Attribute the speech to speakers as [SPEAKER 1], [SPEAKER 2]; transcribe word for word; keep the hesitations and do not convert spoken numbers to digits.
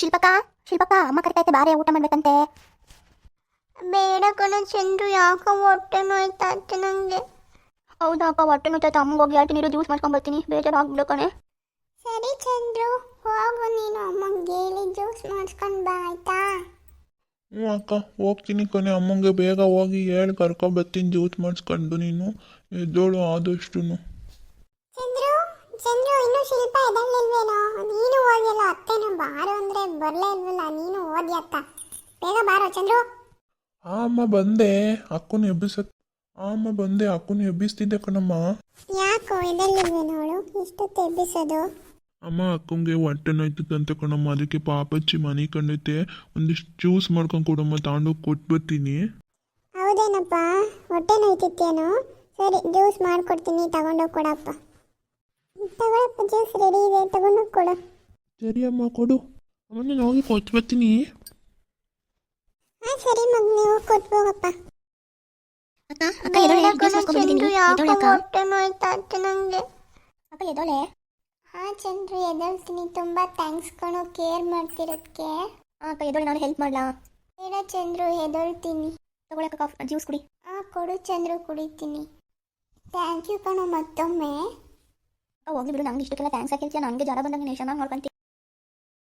[SPEAKER 1] ಶಿಲ್ಪಕ್ಕ ಶಿಲ್ಪಕ್ಕ ಅಮ್ಮ ಕರಿತೈತೆ ಬಾರೆ ಊಟ ಮಾಡ್ಬೇಕಂತೆ.
[SPEAKER 2] ಬೇಡ ಕಣ ಚಂದ್ರು, ಯಾಕೋ ಹೊಟ್ಟೆ ನೋಯ್ತಾ ಇತ್ತು ನನಗೆ.
[SPEAKER 1] ಹೌದಾ ಅಕ್ಕ, ಹೊಟ್ಟೆ ನೋಯ್ತಾಯ್ತು. ಅಮ್ಮಗೆ ಹೋಗಿ ಹೇಳ್ತೀನಿ, ನೀರು ಜ್ಯೂಸ್ ಮಾಡ್ಕೊಂಡು ಬರ್ತೀನಿ. ಬೇಜಾರು ಆಗ್ಬಿಡು ಕಣೆ.
[SPEAKER 2] ಸರಿ ಚಂದ್ರು, ಹೋಗು ನೀನು ಅಮ್ಮಂಗೆ ಹೇಳಿ ಜ್ಯೂಸ್ ಮಾಡಿಸ್ಕೊಂಡು ಬಾ ಆಯ್ತಾ.
[SPEAKER 3] ಹ್ಞೂ ಅಕ್ಕ, ಹೋಗ್ತೀನಿ ಕಣೆ. ಅಮ್ಮಂಗೆ ಬೇಗ ಹೋಗಿ ಹೇಳಿ ಕರ್ಕೊಬರ್ತೀನಿ ಜ್ಯೂಸ್ ಮಾಡಿಸ್ಕೊಂಡು. ನೀನು ಎದ್ದೋಳು ಆದಷ್ಟು.
[SPEAKER 2] ಚಂದ್ರು ಚಂದ್ರು ಇನ್ನೂ ಶಿಲ್ಪ ಎದಳ್ಳಿಲ್ವೇನೋ? ನೀನು ಹೋಗಿಲ್ಲ, ಅತ್ತೆನೂ ಬಾರೋ ಅಂದರೆ ಬರಲೇ ಇಲ್ವಲ್ಲ. ನೀನು ಓದಿ ಅತ್ತ, ಬೇಗ ಬಾರೋ ಚಂದ್ರು.
[SPEAKER 3] ಆ ಅಮ್ಮ ಬಂದೆ, ಅಕ್ಕನ ಎಬ್ಬಿಸ ಆ ಅಮ್ಮ ಬಂದೆ, ಅಕ್ಕನ ಎಬ್ಬಿಸ್ತಿದ್ದೆ ಕಣಮ್ಮ.
[SPEAKER 2] ಯಾಕೋ ಎದಳ್ಳಿಲ್ವೇನೋ ಅವಳು? ಇಷ್ಟೊತ್ತು ಎಬ್ಬಿಸೋದು?
[SPEAKER 3] ಅಮ್ಮ ಅಕ್ಕಂಗೆ ಹೊಟ್ಟೆ ನೋಯ್ತದಂತೆ ಕಣಮ್ಮ, ಅದಕ್ಕೆ ಪಾಪಚ್ಚಿ ಮನೆ ಕಂಡೈತೆ. ಒಂದಿಷ್ಟು ಜ್ಯೂಸ್ ಮಾಡ್ಕೊಂಡು ಕೊಡಮ್ಮ, ತಗೊಂಡೋಗಿ ಕೊಟ್ಬರ್ತೀನಿ.
[SPEAKER 2] ಹೌದೇನಪ್ಪ, ಹೊಟ್ಟೆ ನೋಯ್ತಿತ್ತೇನೋ? ಸರಿ, ಜ್ಯೂಸ್ ಮಾಡಿಕೊಡ್ತೀನಿ, ತಗೊಂಡೋಗಿ ಕೊಡಪ್ಪ. ತಗೊಳಪ್ಪ, ಜ್ಯೂಸ್ ರೆಡಿ ಇದೆ, ತಗೊಂಡೋಗಿ ಕೊಡು.
[SPEAKER 3] ಸರಿ ಅಮ್ಮ, ಕೊಡು. ಅಮ್ಮ ನಾನು ಹೋಗಿ ಕೊಟ್ಬರ್ತೀನಿ.
[SPEAKER 2] ಹಾಂ ಸರಿ ಮಗ, ನೀವು ಕೊಟ್ಬೋಗಪ್ಪ.
[SPEAKER 1] ಅಕ್ಕ ಅಕ್ಕ ಎದೋಳೆ, ಜ್ಯೂಸ್ ಮಾಡ್ಕೊಂಡು ಬಂದಿದ್ದೀನಿ. ಎದೋಳೆ ಅಕ್ಕ.
[SPEAKER 2] ಹೊಟ್ಟೆ ನೋಯ್ತಾ ಇತ್ತು ನನಗೆ.
[SPEAKER 1] ಅಕ್ಕ ಎದೋಳೆ.
[SPEAKER 2] ಹಾಂ ಚಂದ್ರು, ಎದಳ್ತೀನಿ. ತುಂಬ ಥ್ಯಾಂಕ್ಸ್ ಕಣೋ, ಕೇರ್ ಮಾಡ್ತಿರೋದಕ್ಕೆ.
[SPEAKER 1] ಹಾಂ ಅಕ್ಕ ಎದೋಳೆ, ನಾನು ಹೆಲ್ಪ್ ಮಾಡಲಾ?
[SPEAKER 2] ಬೇಡ ಚಂದ್ರು, ಎದಳ್ತೀನಿ.
[SPEAKER 1] ತಗೊಳಕ್ಕ ಕಾಫಿ ಜ್ಯೂಸ್ ಕುಡಿ.
[SPEAKER 2] ಹಾಂ ಕೊಡು ಚಂದ್ರು, ಕುಡಿತೀನಿ. ಥ್ಯಾಂಕ್ ಯು ಕಣೋ ಮತ್ತೊಮ್ಮೆ.
[SPEAKER 1] ಹೋಗಿ ಬಿಡು, ನಂಗೆ ಇಷ್ಟಕ್ಕೆಲ್ಲ ಥ್ಯಾಂಕ್ಸ್ ಹಾಕಿರ್ತೀಯ. ನನಗೆ ಜ್ವರ ಬಂದಂಗೆ ನೀವು ಚೆನ್ನಾಗಿ ನೋಡ್ಕೊಂತೀನಿ.